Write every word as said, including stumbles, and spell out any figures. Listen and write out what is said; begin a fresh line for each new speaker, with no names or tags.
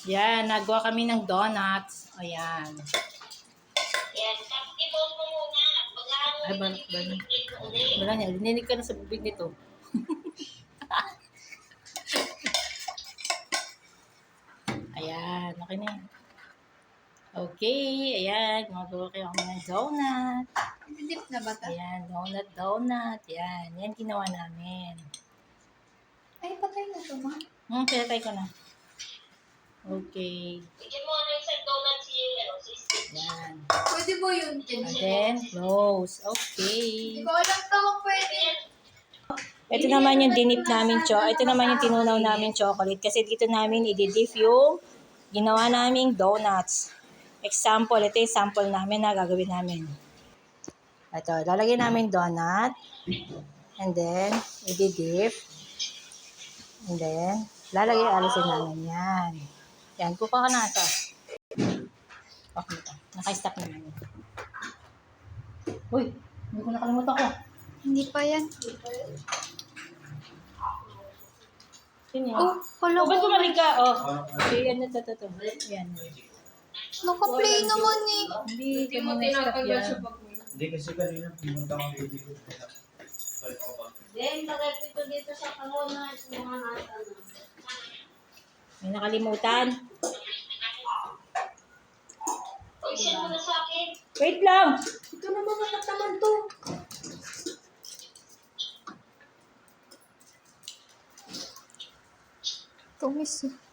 Yan, nagawa kami ng donuts. Ayan.
Yan. Tapos i-bowl mo muna.
Ay, balak ba niya? Wala niya, dininig ka na sa bibig nito. Ayan, okay na yan. Okay, ayan, gumagawa kayo kami ng donut.
Dip na ba ito?
Ayan, donut, donut. Yan, yan ginawa namin.
Ay, patay na ito, ma.
Hmm, pinatay ko na. Okay.
Bigyan mo ano isang donut si, ano, si Steve.
Yan.
Pwede po yun, Tin.
And then, close.
Hindi
Okay.
ko alam to kung pwede.
Ito naman yung dinip namin cho. Ito naman yung tinunaw namin chocolate. Kasi dito namin i-dip yung ginawa naming donuts. Example, ito yung sample namin na gagawin namin. Ito, lalagyan namin donut. And then, i-dip. And then, lalagay, alisin namin yan. Yan, kuka ka na ito. Okay, ito. Naka-stop naman yun. Uy, hindi ko nakalimutan ko.
Hindi pa yan.
Yun yan.
Oh, hala
Oh, ba't
ko.
bumalik ka? Oh, okay, yan, ito, ito, ito. Yan.
Naka-play naman eh.
Hindi, kanina stop yan.
Hindi kasi kanina pumunta kang video.
Then, lagay ko ito dito sa kahona. Sa mga nasa, ano.
May nakalimutan.
O, isend mo na sa akin.
Wait lang!
Ito na mga naman to. Tumis eh.